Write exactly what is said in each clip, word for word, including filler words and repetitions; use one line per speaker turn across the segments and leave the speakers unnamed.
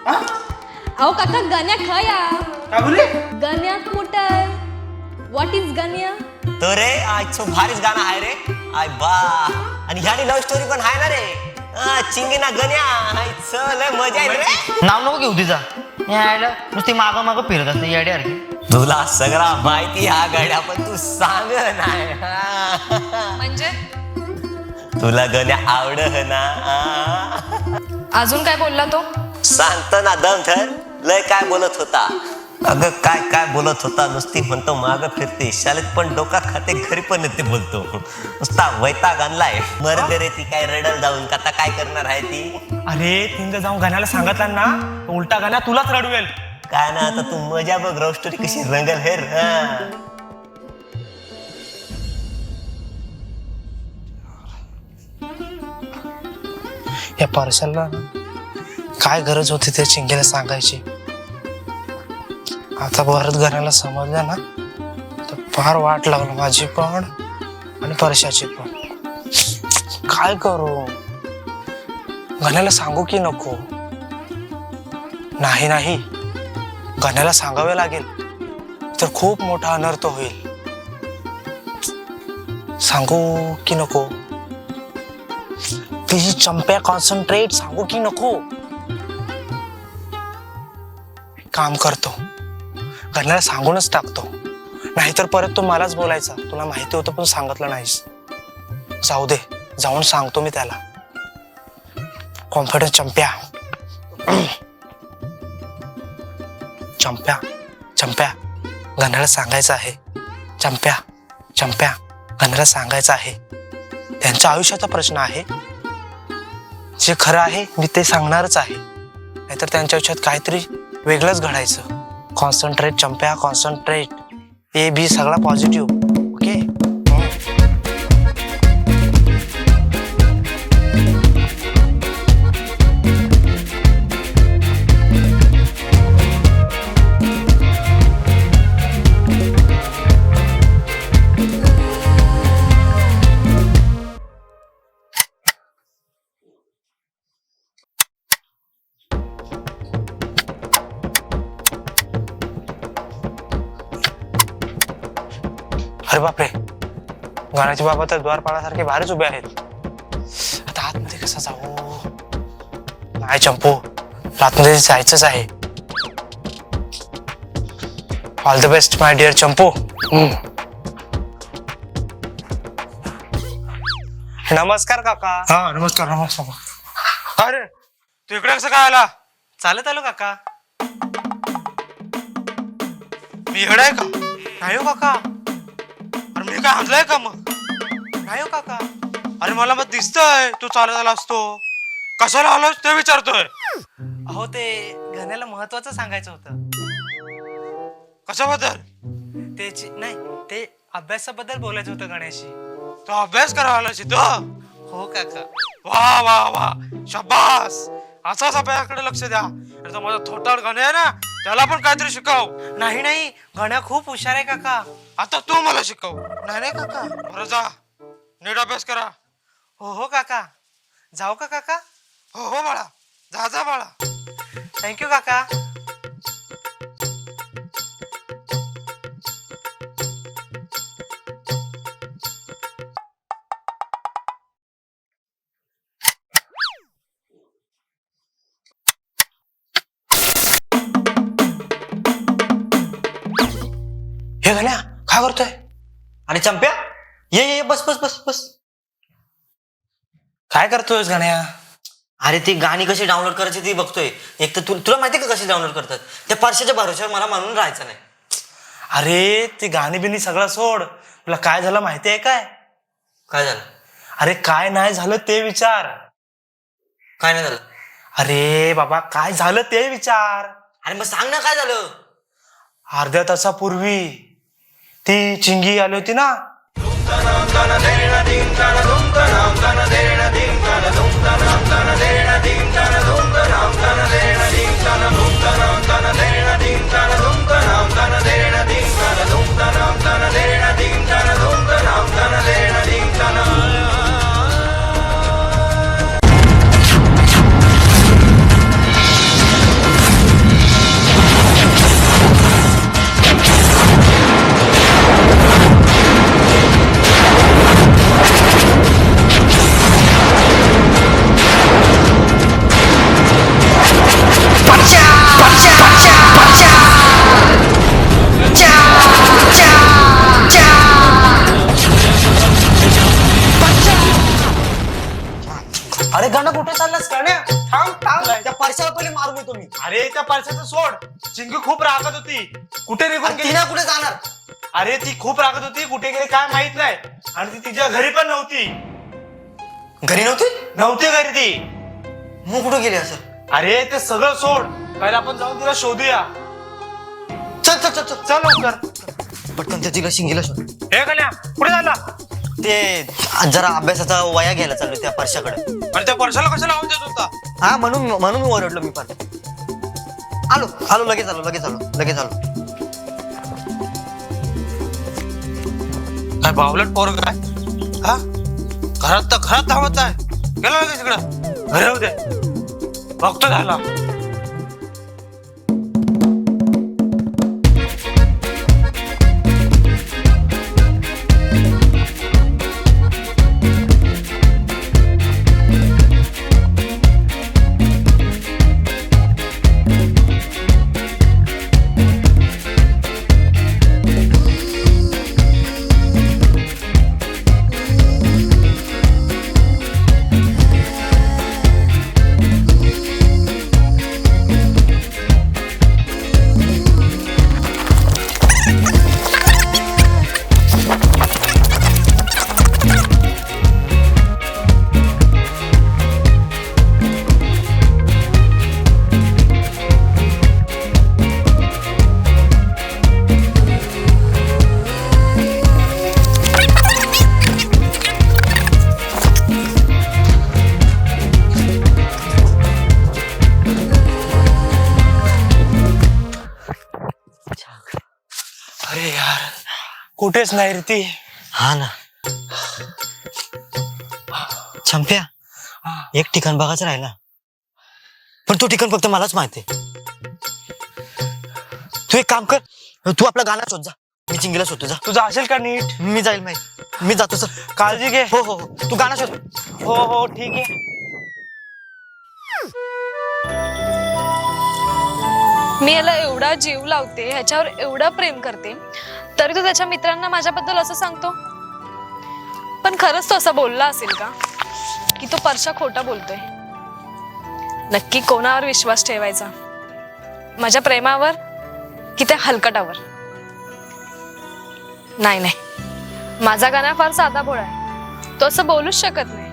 अहो काका गण्या खया
काय बोले
गण्यात मोठा आहे. What is Ganya?
तो रे आजचं भारीच गाणं आहे रे. आय बा आणि ह्यानी लव्ह स्टोरी पण आहे ना रे. चिंगीना गण्या आजचं लय मजा आहे रे.
नाव नको घेऊ तिचा यायला नुसती मागं मागं फिरत असते याड्यासारखी.
तुला सगळा माहिती हा गड्या पण तू सांग नाही.
म्हणजे
तुला गण्या आवड ना.
अजून काय बोलला तो?
सांगतो ना दम धर. लय काय बोलत होता. अगं काय काय बोलत होता. नुसती म्हणतो माग फिरते. शाळेत पण डोका खाते घरी पण येते बोलतो. नुसता वैताग आणलाय. मरते रे ती काय रडल जाऊन. आता काय करणार आहे ती.
अरे तिने जाऊन गाण्याला सांगितलं ना उलटा गाण्या तुलाच रडवेल.
काय ना आता तू मजा बघ. लव्ह स्टोरी कशी रंगल हेर.
या पार्सलला काय गरज होती त्या चिंगीला सांगायची. आता परत घराला समजलं ना तर फार वाट लागलं माझी पण आणि परशाची पण. काय करू. गण्याला सांगू की नको. नाही नाही गण्याला सांगावे लागेल तर खूप मोठा अनर्थ होईल. सांगू की नको. तिची चंप्या कॉन्सन्ट्रेट. सांगू की नको. काम करतो गण्याला सांगूनच टाकतो. नाहीतर परत तो मलाच बोलायचा तुला माहिती होतं पण सांगितलं नाहीस. जाऊ दे जाऊन सांगतो मी त्याला. कॉन्फिडन्स चंप्या. चंप्या चंप्या गण्याला सांगायचं आहे. चंप्या चंप्या गण्याला सांगायचं आहे. त्यांच्या आयुष्याचा प्रश्न आहे. जे खरं आहे मी ते सांगणारच आहे. नाहीतर त्यांच्या आयुष्यात काहीतरी वेगळंच घडायचं. Concentrate चंप्या concentrate. ए बी सगळा पॉझिटिव्ह. ओके अरे बापरे गाण्याचे बाबा तर द्वारपाळासारखे बाहेरच उभे आहेत. आता आतमध्ये कसा जाऊ. नाही चंपू आतमध्ये जायचंच आहे. All the best my dear Champu. नमस्कार काका.
हा नमस्कार नमस्कार. अरे तू इकडे कसं काय आला.
चालत आलो काका.
मी इकडे आहे का.
नाही हो काका.
अरे मी काय आणलंय का मग.
नाही हो काका.
अरे मला मग दिसतंय तू चालत आला असतो. कशाला आलोस ते विचारतोय.
अहो ते गण्याला महत्वाचं सांगायचं होतं.
कशाबद्दल.
ते नाही ते अभ्यासाबद्दल बोलायचं होतं गण्याशी.
तो अभ्यास करावा आलास इथं.
हो काका.
वा वा वा शाबास. असाच अभ्यासाकडे लक्ष द्या. तो माझा थोटाड गाणे आहे ना त्याला पण काहीतरी शिकव.
नाही नाही गण्या खूप हुशार आहे काका.
आता तू मला शिकव.
नाही नाही काका.
बरं जा नीट अभ्यास करा.
हो हो काका. जाऊ का काका.
हो हो बाळा जा जा बाळा.
थँक्यू काका. हे गण्या काय करतोय.
आणि चंप्या ये ये बस बस बस बस.
काय करतोय गण्या.
अरे ती गाणी कशी डाउनलोड करायची ती बघतोय. एक तर तुला माहिती का कशी डाउनलोड करतात. त्या परशाच्या भरोश्यावर मला मानून राहायचं नाही.
अरे ती गाणी बिनी सगळं सोड. तुला काय झालं माहिती आहे काय.
काय झालं.
अरे काय नाही झालं ते विचार.
काय नाही झालं.
अरे बाबा काय झालं ते विचार.
अरे मग सांग ना काय झालं.
अर्ध्या तासापूर्वी ती चिंगी आली होती ना.
अरे गाणं कुठे चाललास गाण्या? थांब थांब त्या परशाला पहिले मारून येतो मी.
अरे त्या परशाचं सोड. चिंगी खूप रागत होती. कुठे निघून
अरे
गेली?
तिला कुठे जाणार?
अरे ती खूप रागत होती, कुठे गेली काय माहित नाही. आणि ती तिच्या घरी पण नव्हती.
घरी नव्हती?
नव्हती घरी ती.
मग कुठे गेली असं?
अरे ते सगळं सोड. पहिला आपण जाऊन तिला शोधूया.
चल चल चल चल
चल लवकर.
पटकन त्या तिला शिंगीला शोध.
हे कन्या कुठे झाला?
ते जरा अभ्यासाचा वया घ्यायला चाललो त्या परशाकडे.
अरे त्या परशाला कशाला आवाज देत होता?
हा म्हणून म्हणून मी ओरडलो मी पण. आलो आलो लगेच आलो लगेच आलो लगेच आलो.
काय बावलट पोरग काय? हा घरात तर घरात धावत आहे. गेला लगेच इकडं. घरी राहू दे. बघतो झाला.
अरे यार कुठेच नाही रे ती.
हा ना. चंप्या एक ठिकाण बघायचं राहिला, पण तो ठिकाण फक्त मलाच माहिती. तू एक काम कर, तू आपला गाणं शोध जा. मी चिंगीला शोधतो जा.
तुझं असेल का नीट?
मी जाईल माहिती. मी जातो सर.
काळजी घे.
हो हो हो तू गाणं शोध.
हो हो ठीक आहे.
मी याला एवढा जीव लावते, ह्याच्यावर एवढं प्रेम करते, तरी तो त्याच्या मित्रांना माझ्याबद्दल असं सांगतो. पण खरंच तो असं बोलला असेल का की तो परशा खोटा बोलतोय? नक्की कोणावर विश्वास ठेवायचा? माझ्या प्रेमावर की त्या हलकटावर? नाही नाही, माझा गाणा फार साधा भोळा आहे, तो असं बोलूच शकत नाही.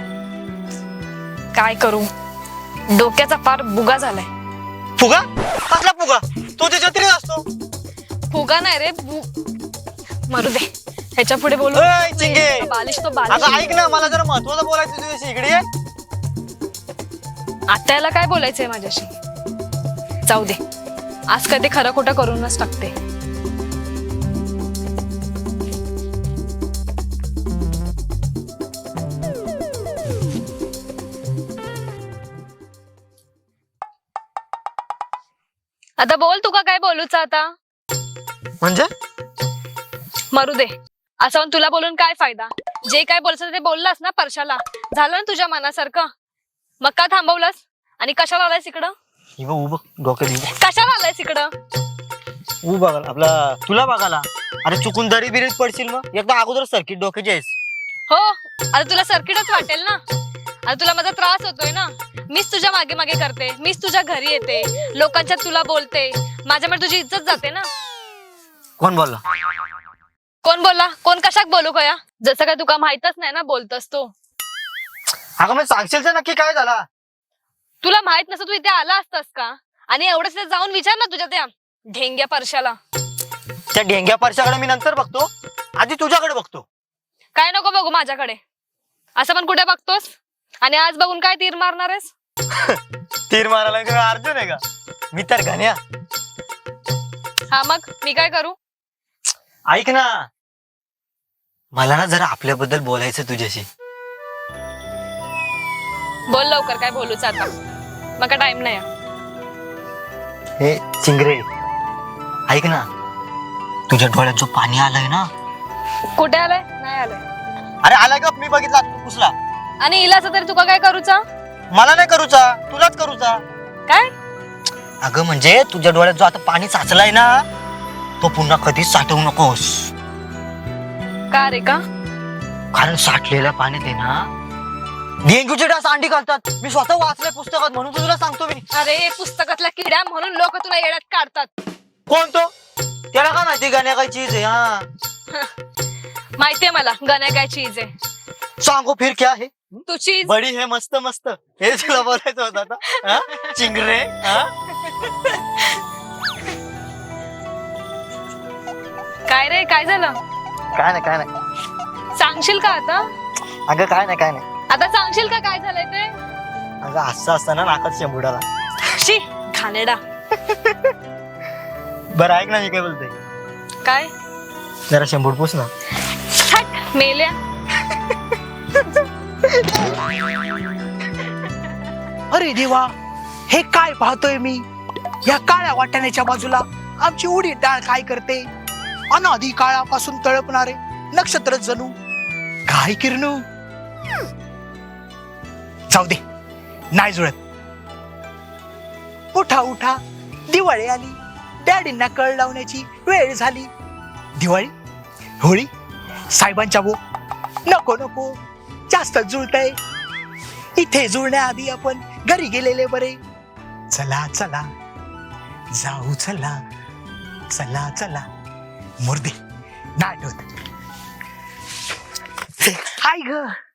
काय करू, डोक्याचा फार बुगा झालाय.
फुगा? कसला फुगा? तो त्याच्या तरी असतो.
फुगा नाही रे, बु मरू दे, ह्याच्या पुढे बोलू.
ए, चिंगे.
बालिश तो
अगं
बालिश.
ऐक ना, मला जरा महत्वाचं बोलायचं तुझ्याशी. इकडे ये.
आता याला काय बोलायचंय माझ्याशी? जाऊ दे, आज कधी खरं खोटं करूनच टाकते. आता बोल, तुका काय बोलूच आता?
म्हणजे
मरू दे, असं म्हणून तुला बोलून काय फायदा? जे काय बोलायचं ते बोललास ना परशाला, झालं ना तुझ्या मनासारखं. मग का थांबवलंस आणि कशाला आलायस इकडं?
उभं डोक्यात
कशाला आलायस इकडं?
ऊ बघाल आपला तुला बघाला. अरे चुकून दरी बिरीत पडशील मग. एकदा अगोदर सर्किट डोक्याची आहेस.
हो, आता तुला सर्किटच वाटेल ना. आता तुला माझा त्रास होतोय ना. मीच तुझ्या मागे मागे करते, मीच तुझ्या घरी येते, लोकांच्यात तुला बोलते, माझ्यामुळे तुझी इज्जत जाते ना.
कोण बोलला?
कोण बोलला? कोण कशाक बोलू कया? जसं काय तुका माहितच नाही ना बोलतस तो.
अगं मग सांगशील तर नक्की काय झाला?
तुला माहित नसतं तू इथे आला असतास का? आणि एवढंच तिथे जाऊन विचार ना तुझ्या त्या ढेंग्या परशाला.
त्या ढेंग्या परशाकडे मी नंतर बघतो, आधी तुझ्याकडे बघतो.
काय नको बघू माझ्याकडे. असं पण कुठे बघतोस? आणि आज बघून काय तीर मारणार आहेस?
तीर मारायला का अर्जुन आहे का? मी तर घाण्या.
हा मग मी काय करू?
ऐक ना, मला ना जरा आपल्याबद्दल बोलायचं तुझ्याशी.
बोल लवकर, काय बोलूच आता? मग टाइम नाही.
हे चिंगरे, ऐक ना, तुझ्या डोळ्यात जो पाणी आलंय ना.
कुठे आलाय? नाही आलाय.
अरे आलाय का? मी बघितला पुसला.
आणि इलाच तरी तुका काय करूचा?
मला नाही करूचा, तुलाच करूचा.
काय?
अगं म्हणजे तुझ्या डोळ्यात जो आता पाणी साचलाय ना, तो पुन्हा कधीच साठवू नकोस.
का रे का?
कारण साठलेल्या पाण्यात आहे ना डेंग्यूचे डास अंडी घालतात. मी स्वतः वाचलंय पुस्तकात म्हणून तुला सांगतो मी.
अरे पुस्तकातला किडा म्हणून लोक तुला येड्यात काढतात.
कोण तो? त्याला काय माहिती गाण्या काय चीज आहे? हा
माहितीये मला गण्या काय चीज आहे.
सांगो फिर क्या है?
तू चीज.
बडी हे मस्त मस्त. हे तुला बोलायचं होतं आता. हा? चिंगरे हा?
काय रे काय झालं?
काय नाही काय नाही.
सांगशील का आता?
अगं काय नाही काय नाही.
आता सांगशील का काय झालंय ते?
अगं असं असताना नाकात शेंबुडाला.
शी घाणेरडा.
बरं ऐक ना मी काय बोलतोय.
काय?
जरा शेंबूड पुस ना.
हट मेल्या.
अरे देवा, हे काय पाहतोय मी? या काळ्या वाटाण्याच्या बाजूला आमची उडीद डाळ काय करते? अनादी काळापासून तळपणारे नक्षत्र जणू काय किरणू. जाऊ दे, नाही जुळत. उठा उठा, दिवाळी आली. डॅडींना कळ लावण्याची वेळ झाली. दिवाळी, होळी, साहेबांच्या बो. नको नको, जास्त जुळतंय. इथे जुळण्याआधी आपण घरी गेलेले बरे. चला चला जाऊ, चला चला चला. मुर्दे नाटक. हाय ग,